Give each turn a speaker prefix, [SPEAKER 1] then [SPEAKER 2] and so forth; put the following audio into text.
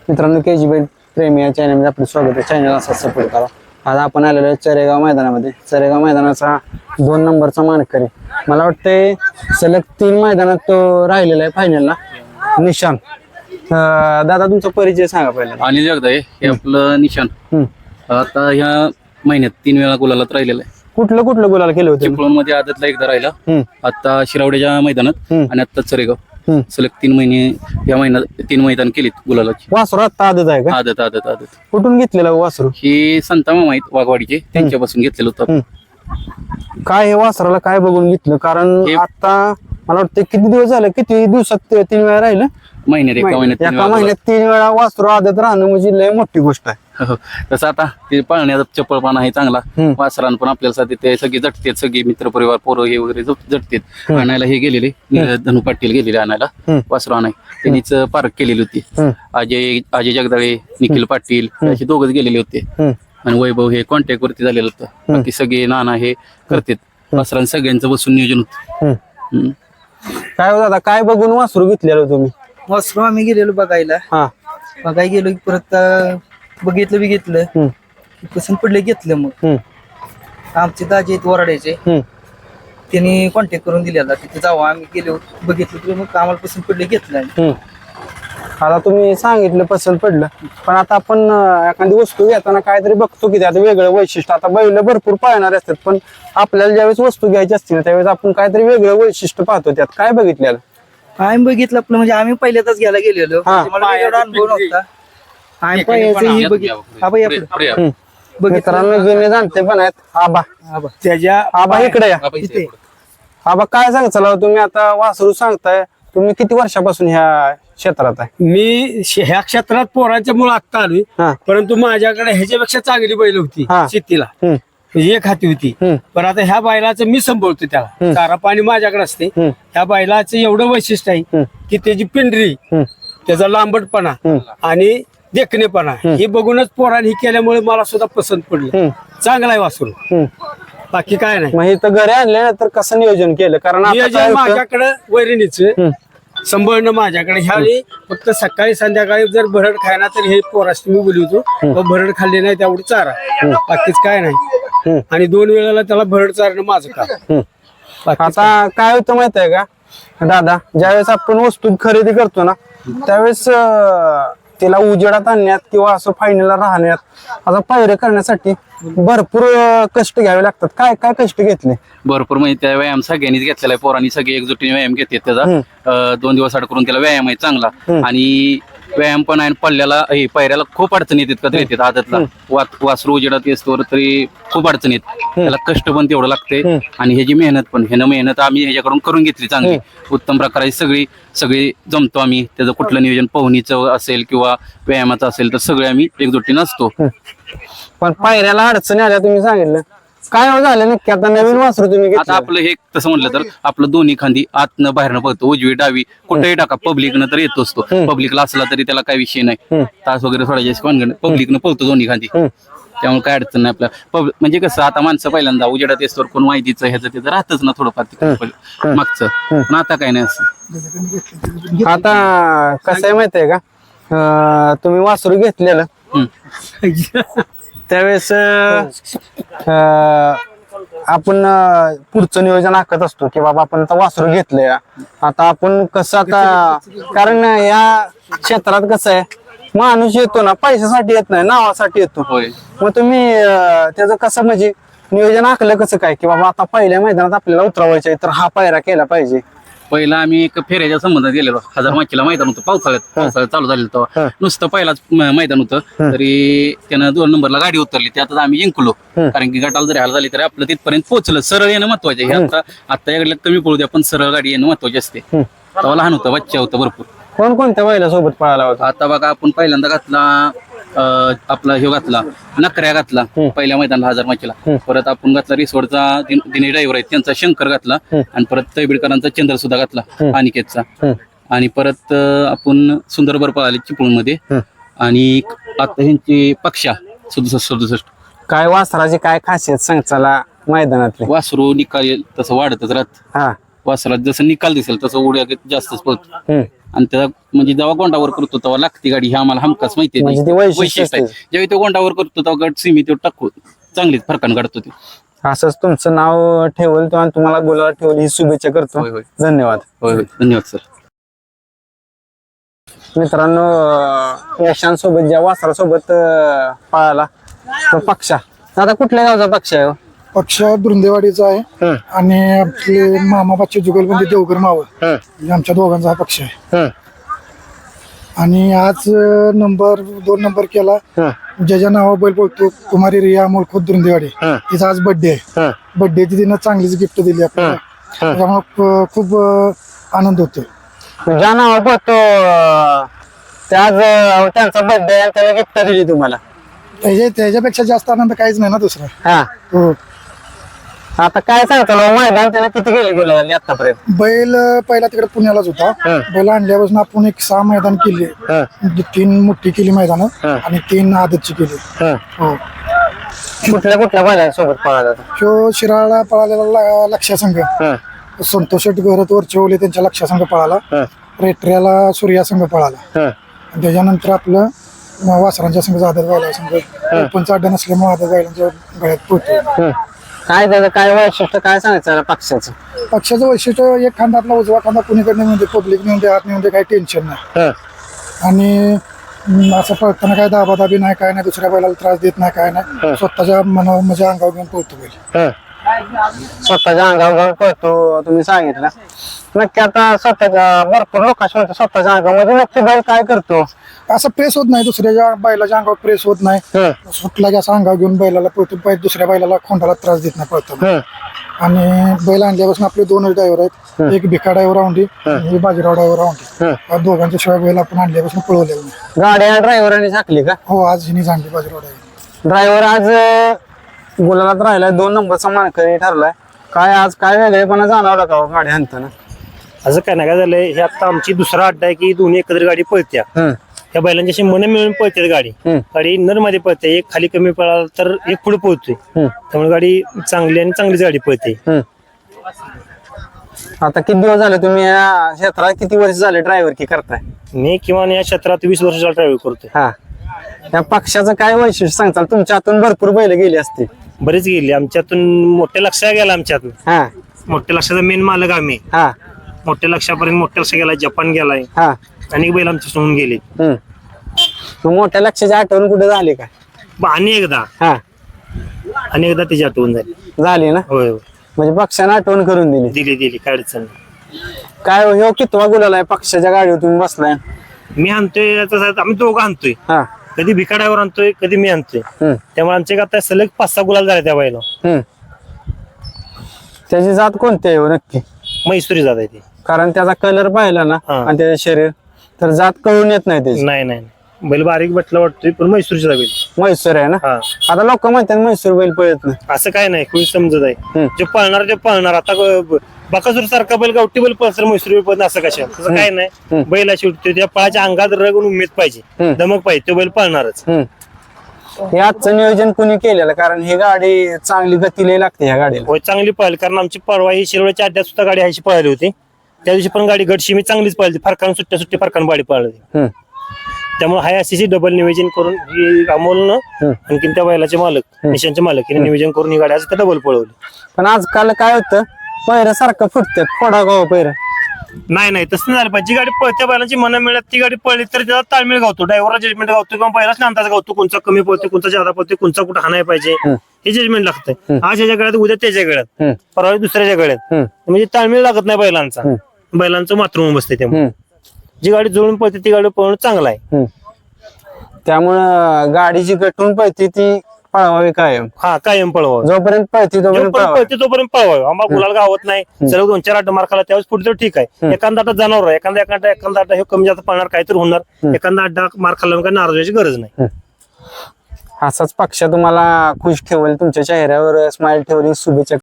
[SPEAKER 1] मित्रांनो KG बैल प्रेमी या चॅनलमध्ये आपलं स्वागत आहे. चॅनल असा सपोर्ट करा. आज आपण आलेलो आहे चरेगाव मैदानामध्ये. चरेगाव मैदानाचा 2 नंबरचा मानकरी, मला वाटतंय सलग 3 मैदानात तो राहिलेला आहे फायनलला, निशान. दादा तुमचा परिचय सांगा पहिला.
[SPEAKER 2] अनिल जगदाळे हे आपलं निशान. आता ह्या महिन्यात 3 वेळा गुलालात राहिलेला आहे.
[SPEAKER 1] कुठलं गुलाल केलं होतं?
[SPEAKER 2] चिपळूण मध्ये आदतला एकदा राहिला, आता शिरावड्याच्या मैदानात आणि आता चरेगाव. सलग 3 महिने या महिन्यात 3 मैदान केलीत गुलालाची.
[SPEAKER 1] वासरू आता आदत आहे का?
[SPEAKER 2] आदत आदत आदत.
[SPEAKER 1] कुठून घेतलेलं वासरू?
[SPEAKER 2] हे संता मामा आहेत वाघवाडीचे, त्यांच्यापासून घेतलेलं होतं.
[SPEAKER 1] काय हे वासराला काय बघून घेतलं? कारण आता मला वाटतं किती दिवस झाले, किती दिवसात 3 वेळा राहिलं?
[SPEAKER 2] महिन्यात एका
[SPEAKER 1] महिन्यात 3 वेळा वासरू आदत राहणं म्हणजे लय मोठी गोष्ट आहे.
[SPEAKER 2] तसं आता ते पाळण्याचा चपळपणा आहे चांगला. वासरान पण आपल्याला ते सगळे झटतेत, सगळे मित्रपरिवार पोरं हे वगैरे झटतेत. आणायला हे गेलेले धनु पाटील गेलेले आणायला वासरू आणाय. त्यांनीच पार्क केलेली होती. अजय जगदाळे, निखिल पाटील असे दोघच गेलेले होते. आणि वैभव हे कॉन्टॅक्ट वरती झालेलं होतं. बाकी सगळे नाना हे करतात. वासरान सगळ्यांचं बसून नियोजन होतं.
[SPEAKER 1] काय हो दादा, काय बघून वासरू घेतलेलं तुम्ही?
[SPEAKER 3] वासरू आम्ही गेलेलो बघायला. बघायला गेलो की परत बघितलं पसंत पडले, घेतलं. मग आमचे दाजे आहेत वराड्याचे, त्यांनी कॉन्टॅक्ट करून दिलेला तिथे जावं. आम्ही गेलो, बघितलं की मग आम्हाला पसंत पडले, घेतलं.
[SPEAKER 1] आता तुम्ही सांगितलं पसंत पडलं, पण आता आपण एखादी वस्तू घेताना काहीतरी बघतो की त्यात वेगळं वैशिष्ट्य. आता बैल भरपूर पाळणारे असतात, पण आपल्याला ज्यावेळेस वस्तू घ्यायची असते ना त्यावेळेस आपण काहीतरी वेगळं वैशिष्ट्य पाहतो. त्यात काय बघितलेलं?
[SPEAKER 3] आम्ही बघितलं आपलं, म्हणजे आम्ही पहिल्यांदाच घ्यायला गेलेलो, मला एवढा अनुभव नव्हता. आम्ही पहिल्याच बघितलं.
[SPEAKER 1] मित्रांनो जुने जाणते पण आहेत.
[SPEAKER 3] त्याच्या
[SPEAKER 1] आबा इकडे या. आबा काय सांगता तुम्ही? आता वासरू सांगताय, तुम्ही किती वर्षापासून ह्या क्षेत्रात आहे?
[SPEAKER 4] मी ह्या क्षेत्रात पोरांच्या मुळे आत्ता आलोय, परंतु माझ्याकडे ह्याच्यापेक्षा चांगली बैल होती शेतीला. एक हाती होती, पण आता ह्या बैलाचं मी सांभाळतो. त्याला चारा पाणी माझ्याकडे असते. ह्या बैलाचं एवढं वैशिष्ट्य आहे की त्याची पिंढरी, त्याचा लांबटपणा आणि देखणेपणा हे बघूनच पोरांनी केल्यामुळे मला सुद्धा पसंत पडलं. चांगला आहे वासरू, बाकी काय नाही.
[SPEAKER 1] मग इथं घरी आणले तर कसं नियोजन केलं? कारण
[SPEAKER 4] नियोजन माझ्याकडे वैरणीचं सांभाळणं माझ्याकडे. ह्यावेळी फक्त सकाळी संध्याकाळी जर भरड खायना तर हे पोरास मी बोलवतो. भरड खाल्ली नाही तेवढी चारा, बाकीच काय नाही. आणि 2 वेळेला त्याला भरड चारणं माझं काम.
[SPEAKER 1] आता काय होतं माहित आहे का दादा, ज्यावेळेस आपण वस्तू खरेदी करतो ना त्यावेळेस तिला उजेडात आणण्यात किंवा असं फायनलला राहण्यात, आता पायऱ्या करण्यासाठी भरपूर कष्ट घ्यावे लागतात. काय काय कष्ट घेतले?
[SPEAKER 2] भरपूर म्हणजे त्या व्यायाम सगळ्यांनीच घेतलेला आहे. पोरांनी सगळे एकजुटीने व्यायाम घेतात त्याचा. 2 दिवस आड करून त्याला व्यायाम आहे चांगला. आणि व्यायाम पण आहे. पल्ल्याला पायऱ्याला खूप अडचणी येतात, कधी येतात आदतला. वासरू उजेडात असतो तरी खूप अडचणी येत. त्याला कष्ट पण तेवढं लागते. आणि ह्याची मेहनत पण, मेहनत आम्ही ह्याच्याकडून करून घेतली चांगली, उत्तम प्रकारे. सगळी जमतो आम्ही. त्याचं कुठलं नियोजन पोहणीचं असेल किंवा व्यायामाचं असेल तर सगळे आम्ही एकजुटीनं असतो.
[SPEAKER 1] पण पायऱ्याला अडचणी आल्या तुम्ही सांगितलं, काय झालं नक्की? आता नवीन वासरू तुम्ही
[SPEAKER 2] आता आपलं हे तसं म्हटलं तर आपलं दोन्ही खांदी आतनं बाहेरनं पळतो, उजवी डावी कुठेही टाका. पब्लिकनं तर येतो असतो, पब्लिकला असला तरी त्याला काही विषय नाही. तास वगैरे सोडायचे पब्लिकनं पळतो दोन्ही खांदी, त्यामुळे काय अडचण नाही आपल्याला. म्हणजे कसं आता माणसं पहिल्यांदा उजेडात येतो कोण माहितीचं ह्याचं त्याचं राहतच ना थोडंफार मागचं, पण आता काय नाही असं.
[SPEAKER 1] आता कसं आहे माहितीये का, तुम्ही वासरू घेतलेलं त्यावेळेस आपण पुढचं नियोजन आखत असतो की बाबा आपण आता वासरू घेतलंय. आता आपण कसं, आता कारण या क्षेत्रात कसं आहे, माणूस येतो ना पैशासाठी येत नाही, नावासाठी येतो. मग तुम्ही त्याचं कसं म्हणजे नियोजन आखलं कसं काय की बाबा आता पहिल्या मैदानात आपल्याला उतरवायचं तर हा पायरा केला पाहिजे?
[SPEAKER 2] पहिला आम्ही एक फेऱ्याच्या संबंधात गेलेलो. 1000 माचीला मैदान होतं, पावसाळ्यात चालू झालेलं तेव्हा. नुसतं पहिलाच मैदान होतं, तरी त्यानं 2 नंबरला गाडी उतरली. त्यातच आम्ही जिंकलो. कारण की गटाला जरी हाल झाली तरी आपलं तिथपर्यंत पोहोचलं. सरळ येणं महत्वाचं आहे. आता या कमी पळू द्या, पण सरळ गाडी येणं महत्वाची असते. तेव्हा लहान होतं, बच्चा होतं भरपूर.
[SPEAKER 1] कोणत्या बैला सोबत पळाला होता?
[SPEAKER 2] आता बघा आपण पहिल्यांदा घातला आपला ह्यो घातला नकऱ्या घातला पहिल्या मैदानाला 1000 माचीला. परत आपण घातला रिसोडचा दिनेश ड्रायव्हर आहे त्यांचा शंकर घातला. आणि परत तैबीडकरांचा चंद्र सुद्धा घातला अनिकेतचा. आणि परत आपण सुंदरबर पळाले चिपळूण मध्ये. आणि आता ह्यांची पक्षा 67.
[SPEAKER 1] काय वासराची काय खासियत सांग चला मैदानातली?
[SPEAKER 2] वासरू निकाल तसं वाढतच राहत. वासरात जसं निकाल दिसेल तसं उड्या जास्तच पळतो. आणि त्याचा म्हणजे जेव्हा गोंडावर करतो तेव्हा लागते गाडी ही आम्हाला हमखास माहिती आहे.
[SPEAKER 1] म्हणजे ते वैशिष्ट्य
[SPEAKER 2] आहे ज्यावेळी तो गोंडावर करतो तेव्हा गट सीमी तो टाकू चांगलीच फरकान काढतो ते.
[SPEAKER 1] असंच तुमचं नाव ठेवलं आणि तुम्हाला बोलायला ठेवली ही शुभेच्छा करतो.
[SPEAKER 2] होय होय
[SPEAKER 1] धन्यवाद.
[SPEAKER 2] होय होय धन्यवाद सर.
[SPEAKER 1] मित्रांनो यशांसोबत ज्या वासरासोबत पळाला तो पक्षा, आता कुठल्या गावचा पक्ष आहे हो?
[SPEAKER 5] पक्ष धुंदेवाडीचा आहे आणि आपले मामाबाचे जुगलबंदी देवघर मावळ म्हणजे आमच्या दोघांचा हा पक्ष आहे. आणि आज नंबर 2 नंबर केला ज्याच्या नावा बैल बोलतो कुमारी रिया अमोल खोत धुंदेवाडी, तिचा आज बर्थडे आहे. बर्थडेची तिनं चांगलीच गिफ्ट दिली आपल्याला, त्यामुळे खूप आनंद होतो.
[SPEAKER 1] ज्या नावावर पळतो त्याच त्यांचा बर्थडे आणि त्याला गिफ्ट दिली तुम्हाला.
[SPEAKER 5] त्याच्यापेक्षा जास्त आनंद काहीच नाही ना दुसरा.
[SPEAKER 1] हा,
[SPEAKER 5] हो.
[SPEAKER 1] आता काय सांगतो मैदान त्याने किती गेले आतापर्यंत?
[SPEAKER 5] बैल पहिला तिकडे पुण्यालाच होता. बैल आणल्यापासून आपण एक 6 मैदान केले, 3 मोठी केली मैदान आणि 3 आदतची केली. हो.
[SPEAKER 1] कुठल्या कुठल्या बैलांसोबत पळाला?
[SPEAKER 5] तो शिराळा पळालेला लक्षासंघ, संतोष घरात वरचे त्यांच्या लक्षासंघ पळाला, रेट्र्याला सूर्या संघ पळाला. त्याच्यानंतर आपलं वासरांच्या संघ आदत बैला संघ ओपनचा अड्डा नसल्यामुळे आदत बैलांच्या गळ्यात पोहोचतो.
[SPEAKER 1] काय त्याचं काय वैशिष्ट्य काय सांगायचं पक्षाचं?
[SPEAKER 5] पक्षाचं वैशिष्ट्य एक खांदा आपला उजवा खांदा कुणीकडे म्हणजे पब्लिक म्हणजे हात म्हणजे काही टेन्शन नाही. आणि असं पळताना काय दाबादाबी नाही, काय नाही, दुसऱ्या बैलाला त्रास देत नाही, काय नाही. स्वतःच्या मनावर म्हणजे अंगावर घेऊन पळतो बैल.
[SPEAKER 1] स्वतःच्या अंगावर घेऊन पळतो तुम्ही सांगितलं. नक्की आता स्वतःच्या भरपूर लोकांशी स्वतःच्या अंगामध्ये नक्की बैल काय करतो?
[SPEAKER 5] असं प्रेस होत नाही, दुसऱ्याच्या बैलाच्या अंगावर प्रेस होत नाही. सुटला की असं अंगावर घेऊन बैलाला पळतो, दुसऱ्या बैलाला खोंडाला त्रास देत नाही पळताना. आणि बैल आणल्यापासून आपले 2 ड्रायव्हर आहेत, एक भिका ड्रायव्हर औंढी आणि बाजीराव ड्रायव्हर औंढी. या दोघांच्या शिवाय बैल आपण आणल्यापासून पळवलेलं नाही.
[SPEAKER 1] गाडी ड्रायव्हरांनी झाकली का?
[SPEAKER 5] हो, आज हिनी जाणली बाजीराव ड्रायव्हर.
[SPEAKER 1] ड्रायव्हर आज गुलालात राहिलाय, 2 नंबरचा मानकरी ठरलाय. काय आज काय वेगळेपणा जाणवला का गाडी आणताना?
[SPEAKER 6] असं काय नाही, काय झालंय, हे आता आमची दुसरा अड्डा आहे की दोन्ही एकत्र गाडी पळत्या. त्या बैलांच्याशी मन मिळून पळते गाडी. गाडी नर मध्ये पळते, एक खाली कमी पळाला तर एक पुढे पोहोचतोय. त्यामुळे गाडी चांगली आणि चांगलीच गाडी पळते.
[SPEAKER 1] आता किती दिवस झाले तुम्ही या क्षेत्रात, किती वर्ष झाले ड्रायव्हर की करताय?
[SPEAKER 6] मी किमान या क्षेत्रात 20 वर्षाचा ड्रायव्हिंग करतोय.
[SPEAKER 1] हा, या पक्षाचं काय वैशिष्ट्य सांगताल? तुमच्या हातून भरपूर बैल गेली असते.
[SPEAKER 6] बरेच गेली आमच्यातून, मोठ्या लक्षात गेला आमच्यातून.
[SPEAKER 1] हा,
[SPEAKER 6] मोठ्या लक्षाचा मेन मालक आम्ही.
[SPEAKER 1] हा,
[SPEAKER 6] मोठ्या लक्षापर्यंत मोठ्या लक्ष गेलाय, जपान गेलाय,
[SPEAKER 1] हा.
[SPEAKER 6] अनेक बैल आमच्या सोडून गेले.
[SPEAKER 1] मग मोठ्या लक्षाची आठवण कुठे झाली का?
[SPEAKER 6] आणि एकदा त्याची आठवण
[SPEAKER 1] झाली ना?
[SPEAKER 6] होय होय,
[SPEAKER 1] म्हणजे पक्षाने आठवण करून दिली.
[SPEAKER 6] दिली काय अडचण नाही.
[SPEAKER 1] काय हो कितवा गुलाल आहे पक्षाच्या गाडीवर तुम्ही बसलाय?
[SPEAKER 6] मी आणतोय, आम्ही दोघं आणतोय.
[SPEAKER 1] हा,
[SPEAKER 6] कधी भिका ड्रायव्हर आणतोय, कधी मी आणतोय. त्यामुळे आमचे आता सलग 5-6 गुलाल झाले त्या बैला.
[SPEAKER 1] त्याची जात कोणती आहे हो नक्की?
[SPEAKER 6] मैसुरी जात आहे ती.
[SPEAKER 1] कारण त्याचा कलर पाहिला ना आणि त्याचे शरीर, तर जात कळून येत नाही त्याची.
[SPEAKER 6] नाही बैल बारीक बटला वाटतोय, पण मैसूरचा बैल.
[SPEAKER 1] म्हैसूर आहे ना? आता लोक म्हणतात म्हैसूर बैल पळत नाही.
[SPEAKER 6] असं काय नाही, कोणी समजत आहे. जे पळणार ते पळणार. आता बकासूर सारखा बैल गावठी बैल पळसर मैसूर बैल पळत असं कशा? तसं काय नाही. बैला शेवटी त्या पळाच्या अंगात रग उमेद पाहिजे, दमक पाहिजे, तो बैल पळणारच.
[SPEAKER 1] हे आजचं नियोजन कुणी केलेलं? कारण ही गाडी चांगली गतीला लागते ह्या गाडीला.
[SPEAKER 6] होय, चांगली पळाली. कारण आमची परवा ही शिरवळच्या अड्ड्यात सुद्धा गाडी ह्याची पळाली होती. त्या दिवशी पण गाडी गटशी मी चांगलीच पळाली, फरकान सुट्टी फरकान गाडी पळाली. त्यामुळे हाय अशी डबल नियोजन करून ही अमोलनं आणखीन त्या बैलाचे मालक, निशांचे मालक यांनी नियोजन करून ही गाडी आज डबल पळवली.
[SPEAKER 1] पण आजकाल काय होतं, पैर सारखं फुटतात, फोडा गाव पैर.
[SPEAKER 6] नाही तसं झालं पाहिजे. जी गाडी पळत्या बैलांची मनं मिळत ती गाडी पळली तर त्याला ताळमेळ गावतो, ड्रायव्हरला जजमेंट गावतो किंवा बैलाच अंदाज गावतो, कोणचा कमी पळतो, कोणचा जादा पळतो, कोणचा कुठं हाणाय पाहिजे, हे जजमेंट लागतंय. आज ह्याच्या गळ्यात, उद्या त्याच्या गळ्यात, परवा दुसऱ्याच्या गळ्यात. म्हणजे ताळमेळ लागत नाही बैलांचं मातृम बसते. त्यामुळे जी गाडी जुळून पळते ती गाडी पळणं चांगलं आहे.
[SPEAKER 1] त्यामुळं गाडी जी गटून पळते ती पळवावी कायम.
[SPEAKER 6] हा, कायम पळवावं.
[SPEAKER 1] जोपर्यंत पळते
[SPEAKER 6] तोपर्यंत पळवावं. आम्हाला गुलाल गावत नाही, सलग 2-4 अड्डा मार खाला त्यावेळेस पुढे तर ठीक आहे. एखादा अड्डा जनावर आहे, एखादा अड्डा हे कमी जास्त पळणार, काहीतरी होणार. एखादा अड्डा मार खाल्ला काय नाराज व्हायची गरज नाही.
[SPEAKER 1] असाच पक्ष तुम्हाला खुश ठेवेल, तुमच्या चेहऱ्यावर स्माइल ठेवली. शुभेच्छा.